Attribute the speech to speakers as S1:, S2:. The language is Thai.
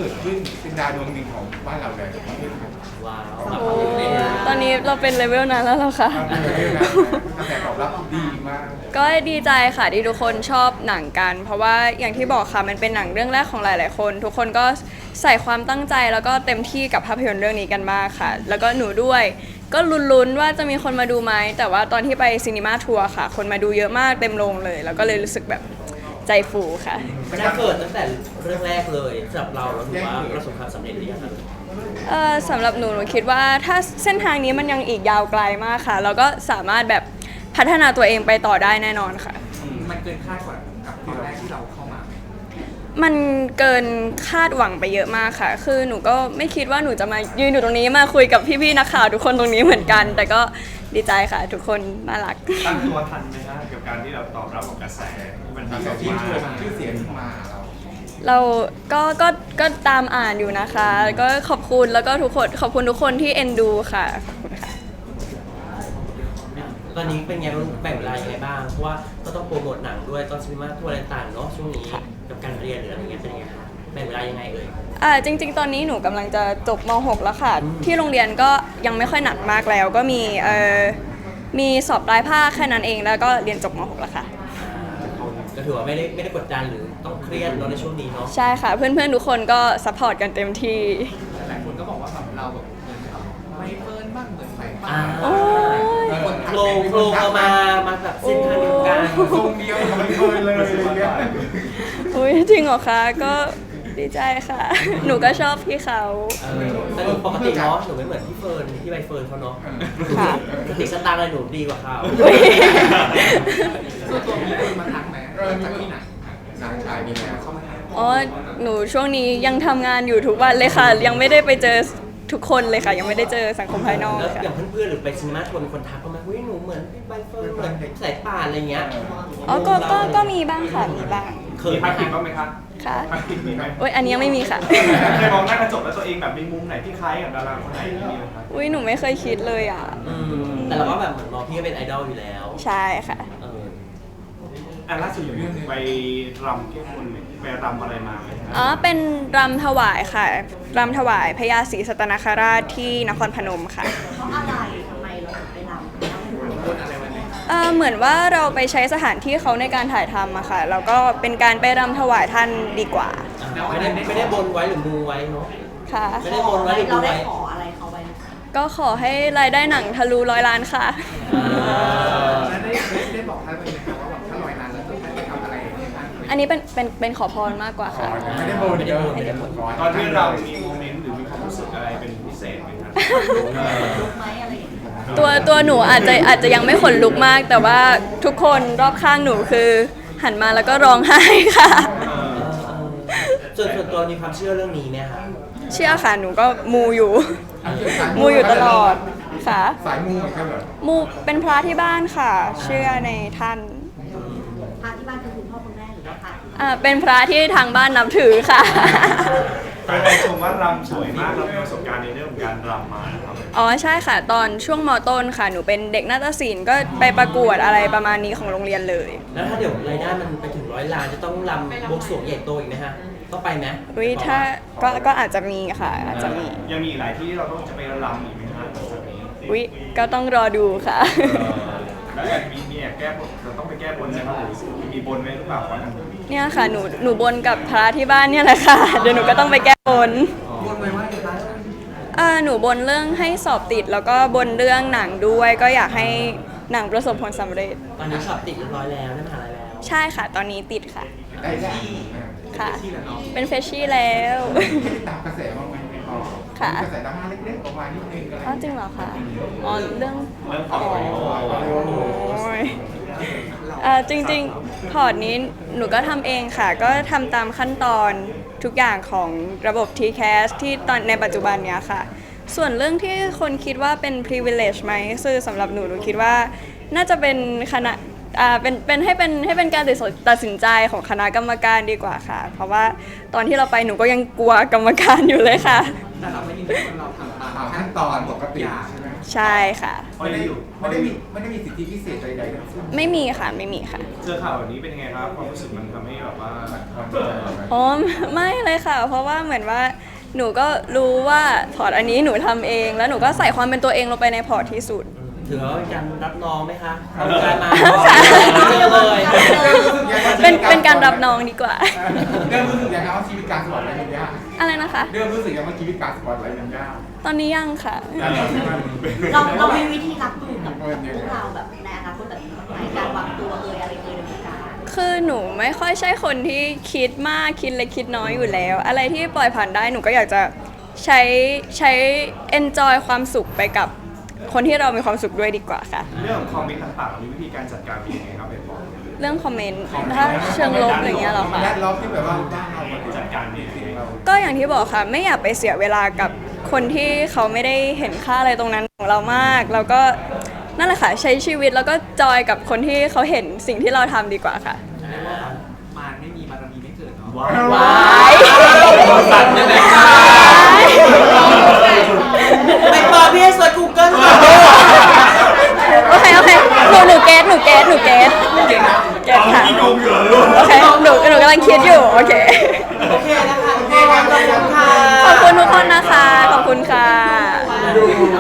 S1: กิดขึ้นเป็นดาวดวงหนึ่งของบ้านเราเลย
S2: ว้าว
S3: โอ้ตอนนี้เราเป็นเลเวลนั้นแล้วเหรอคะ
S1: กระแสตอบรับดีมาก
S3: ก็ดีใจค่ะที่ทุกคนชอบหนังกัน เพราะว่าอย่างที่บอกค่ะมันเป็นหนังเรื่องแรกของหลายๆคนทุกคนก็ใส่ความตั้งใจแล้วก็เต็มที่กับภาพยนตร์เรื่องนี้กันมากค่ะแล้วก็หนูด้วยก็ลุ้นๆว่าจะมีคนมาดูไหมแต่ว่าตอนที่ไปซีนีมาทัวร์ค่ะคนมาดูเยอะมากเต็มโรงเลยแล้วก็เลยรู้สึกแบบใจฟูค่ะ
S2: มันน่าเกิดตั้งแต่เรื่องแรกเลยสำหรับเราถือว่าประสบความสำเร็จหรือยังครับ
S3: สำหรับหนูคิดว่าถ้าเส้นทางนี้มันยังอีกยาวไกลมากค่ะแล้วก็สามารถแบบพัฒนาตัวเองไปต่อได้แน่นอนค่ะ
S1: มันเกินคาดกว่ากับตอนแรกที่เราเข้ามา
S3: มันเกินคาดหวังไปเยอะมากค่ะคือหนูก็ไม่คิดว่าหนูจะมายืนอยู่ตรงนี้มาคุยกับพี่ๆนักข่าวทุกคนตรงนี้เหมือนกัน แต่ก็ดีใจค่ะทุกคนน่ารัก
S4: ตั้งตัวทันไหมฮะกับการที่เราตอบรับกับกระแสที่มันดี
S1: ที่
S4: มาก
S1: ชื่อเสียงมาเรา
S3: เราก็ตามอ่านอยู่นะคะก็ขอบคุณแล้วก็ทุกคนขอบคุณทุกคนที่เอ็นดูค่ะขอบคุณค่ะ
S2: ตอนนี้เป็นไงแบ่งเวลายังไงบ้างเพราะว่าก็ต้องโปรโมทหนังด้วยตอนซีนีมาทัวร์อะไรต่างๆเนาะช่วงนี้กับการเรียนหรืออะไรเงี้ยเป็นยังไงคะแบ่งเวลายังไงเอ่ย
S3: จริงๆ ตอนนี้หนูกำลังจะจบม .6 แล้วค่ะ ที่โรงเรียนก็ยังไม่ค่อยหนักมากแล้ว ก็มีสอบปลายภาคแค่นั้นเองแล้วก็เรียนจบม .6 แล้วค่ะ
S2: ก็ถือว่าไม่ได้กดดันหรือต้องเครียดเนาะในช่วงนี้เนาะ
S3: ใช่ค่ะ เพื่อนๆ ทุกคนก็ซัพพอร์ตกันเต็มที่
S1: หลายคนก็บอกว่าแบบเราแบบเหมือนแบบไม่เฟิร์นบ้างเหมือนใส่บ้า
S2: อ่าง
S3: โอ้ย
S2: โครงเรามาแบบเส้นทางเดียวกัน
S1: ทรงเดียวไม่เฟิร์นเลยอะไรเงี้ย
S3: อุ้ยจริงเหรอคะก็ดีใจค่ะ หนูก็ชอบพี่เขา
S2: แต่หนูปกติเนาะหนูไม่เหมือนพี่เฟิร์นพี่ใบเฟิร์นเขาเนาะ
S3: ค่ะ
S2: สติสตางค์อะไรหนูดีกว่าเขา
S3: อุ๊ย
S1: ส่วนตัวมีคนมาทักไหมจากที่ไหนนางชายมีไหมเข้ามาทัก
S3: อ๋อหนูช่วงนี้ยังทำงานอยู่ทุกวันเลยค่ะ ยังไม่ได้ไปเจอทุกคนเลยค่ะ ยังไม่ได้เจอสังคมภายนอก
S2: แล้
S3: เล
S2: วย
S3: ค่ะ
S2: อย่างเพื่อนๆหรือไปซีนีมาทัวร์มีคนทักเขาไหมอุ้ยหนูเหมือนพี่ใบเฟิร์นเหมือนสายป่านอะไรเงี้ย
S3: อ๋อก็มีบ้างค่ะ มีบ้าง
S2: เค
S4: มี
S2: ย
S4: พักผิดบ้างไหมคะ
S3: ค่ะ
S4: พักผิดมีไหม
S3: โอ้ยอันนี้ยังไม่มีค่ะ
S4: เคยมองหน้ากระจกแล้วตัวเองแบบมีมุมไหนที่คล้ายกับดาราคนไหนมีไหมคะ
S3: อุ้ยหนูไม่เคยคิดเลยอ่ะ
S2: แต่เราก็แบบเหมือนมองพี่ก็เป็นไอดอลอยู่แล้ว
S3: ใช่ค่ะ
S2: เออ
S4: อ่ะล่าสุดไปรำแก้บนไปรำอะไรมาไหมคะ
S3: อ๋อ เป็นรำถวายค่ะ รำถวายพญาศรีสัตนคราชที่นครพนมค่ะ
S5: เพราะอะไรทำไมเราถึงไปรำ
S1: คนอะไรวันนี้
S3: เหมือนว่าเราไปใช้สถานที่เขาในการถ่ายทำอะค่ะ แล้วก็เป็นการไปรำถวายท่านดีกว่า
S2: ไม่ได้บนไว้หรือมูไว้เนาะ
S3: ค่ะ
S2: ไม่ได้บนไว้หรือ
S5: เรา
S2: มู
S5: ได้
S2: ไว้
S5: ขออะไรเขาไว้ไหมคะ
S3: ก็ขอให้รายได้หนังทะลุ100 ล้านค่ะ
S1: แล้วได้บอกท่านไปไหมครับว่าแบบถ้าลอยนานแล้วจะไปทำอะไรให้ท่าน
S3: อันนี้เป็นขอพรมากกว่าค่ะ
S1: ไม่ได้โบนเยอะ
S3: ไม่ได้โบน
S4: ตอนที่เรามีโมเมนต์หรือมีความรู้สึกอะไรเป็นพิเศษไหมคะ
S5: ลุกไหมอะไรอย่างเงี้ย
S3: ตัวหนูอาจจะยังไม่ขนลุกมาก แต่ว่าทุกคนรอบข้างหนูคือหันมาแล้วก็ร้องไห้ค่ะ
S2: ส่วนตัวมีความเชื่อเรื่องนี้ไหมคะ
S3: เชื่อค่ะ หนูก็มูอยู่ มูอยู่ตลอดค่ะ
S1: สายมูเหมือนกันเหรอ
S3: มูเป็นพระที่บ้านค่ะ เชื่อในท่าน
S5: พาที่บ้านคือคุณพ่อคุณแม่หรือว่าพาที่
S3: เป็นพระที่ทางบ้านนับถือค่ะ
S4: แฟนๆชมว่ารำสวยมากเรามีประสบการณ์ในเรื่องของการรำมานะครับ
S3: อ๋อใช่ค่ะ ตอนช่วงมต้นค่ะ หนูเป็นเด็กนาฏศิลป์ก็ไปประกวดอะไรประมาณนี้ของโรงเรียนเลย
S2: แล้วถ้าเดี๋ยวรายได้มันไปถึง100 ล้านจะต้องรำบวงสรวงใหญ่โตอีกไหมฮะต้องไปไหม
S3: อุ้ยถ้าก็อาจจะมีค่ะ อาจจะมี
S4: ยังมีอีกหลายที่ที่เราต้องจะไปรำอีกไหมคะหลังจากนี้
S3: อุ้ยก็ต้องรอดูค่ะ
S4: แล้วแอบมีแอบแก้บนเราต้องไปแก้บนใช่ไหมหรือมีบนไว้หรือเปล่าวันนั้น
S3: เนี่ยค่ะ หนูบนกับพระที่บ้านเนี่ยแหละค่ะ เดี๋ยวหนูก็ต้องไปแก้บน
S1: บนไว้ว่าจะได้
S3: หนูบนเรื่องให้สอบติดแล้วก็บนเรื่องหนังด้วย ก็อยากให้หนังประสบผลสำเร็จ
S2: ตอนนี้สอบติดเรียบร้อยแล้วได้มหาลัยแล้ว
S3: ใช่ค่ะ ตอนนี้ติดค่ะ
S1: ได้ที่
S3: ค่ะ
S1: ที่แล้วเนาะ
S3: เป็นเฟชชี่แล้ว
S1: ไม่ได้ตามกระแสบ้างไหมอ๋อ
S3: ค่ะ
S1: กระแสดราม่าเล็กๆออกมานิดนึงอะไร
S3: อ๋อจริงเหรอคะอ๋อเรื่อง
S4: เริ่มขอ
S3: โอ้ยจริงๆพอร์ตนี้หนูก็ทำเองค่ะ ก็ทำตามขั้นตอนทุกอย่างของระบบ TCAS ที่ตอนในปัจจุบันเนี้ยค่ะ ส่วนเรื่องที่คนคิดว่าเป็น privilege ไหมคือสำหรับหนูคิดว่าน่าจะเป็นคณะเป็นให้เป็นการตัดสินใจของคณะกรรมการดีกว่าค่ะ เพราะว่าตอนที่เราไปหนูก็ยังกลัวกรรมการอยู่เลยค่ะ
S1: แต่เราไม่ยินดีว่าเราทำตามขั้นตอนปกติใช่ไหม
S3: ใช่ค่ะ
S4: พออยู่
S1: ไม่ได้มีสิทธิพิเศษใดๆทั้งสิ้น
S3: ไม่มีค่ะไม่มีค่ะ
S4: เจอข่าวแบบนี้เป็นยังไงครับความรู้สึกมันทำให้แบบว่า
S3: อ๋อไม่เลยค่ะ เพราะว่าเหมือนว่าหนูก็รู้ว่าพอร์ตอันนี้หนูทำเอง แล้วหนูก็ใส่ความเป็นตัวเองลงไปในพอร์ตที่สุด
S2: ถือว่าเป็นการรับน้องไหมคะทำงานมา
S3: ค่ะ
S2: เจอเลย
S3: เป็นการรับน้องดีกว่า
S1: เริ่มรู้สึกยังไงว่าชีวิตการสปอร์ตไลท์มันยาก
S3: อะไรนะคะ
S1: เริ่มรู้สึกยังไงว่าชีวิตการสปอร์ตไลท์มันยาก
S3: ตอนนี้ยังค่ะ
S5: เรามีวิธีรับมือกับพวกเราแบบในอนาคตแบบนี้บ้างไหมการวางตัวอะไรในวงการ
S3: คือหนูไม่ค่อยใช่คนที่คิดมากคิดเล็กคิดน้อยอยู่แล้ว อะไรที่ปล่อยผ่านได้หนูก็อยากจะใช้ enjoy ความสุขไปกับคนที่เรามีความสุขด้วยดีกว่าค่ะ
S4: เรื่องของคอมเมนต์ต่างๆมีวิธีการจัดการเป็นยังไงครับเป็นบอก
S3: เรื่องคอมเมนต์ถ้าเชิงลบอะไรเงี้ยเหรอคะ
S1: แรดล็อกที่แบบว่าบ้านเรา
S4: จัดการยังไง
S3: ก็อย่างที่บอกค่ะ ไม่อยากไปเสียเวลากับคนที่เขาไม่ได้เห็นค่าอะไรตรงนั้นของเรามาก แล้วก็นั่นแหละค่ะใช้ชีวิตแล้วก็จอยกับคนที่เขาเห็นสิ่งที่เราทำดีกว่าค่ะ
S1: มารไม่มีบารมีไม่เกิดเนาะ
S2: ว้า
S1: สัตว์ยังไง
S2: ไปเปิดพี่ให้เซิร์ช Google ค่ะ
S3: โอเคหนูเกตเก็ตค่ะ โอเคหนูกำลังคิดอยู่ โอเค
S2: โอเคนะคะขอบคุณค่ะ
S3: ขอบคุณทุกคนนะคะ ขอบคุณค่ะ
S1: ดู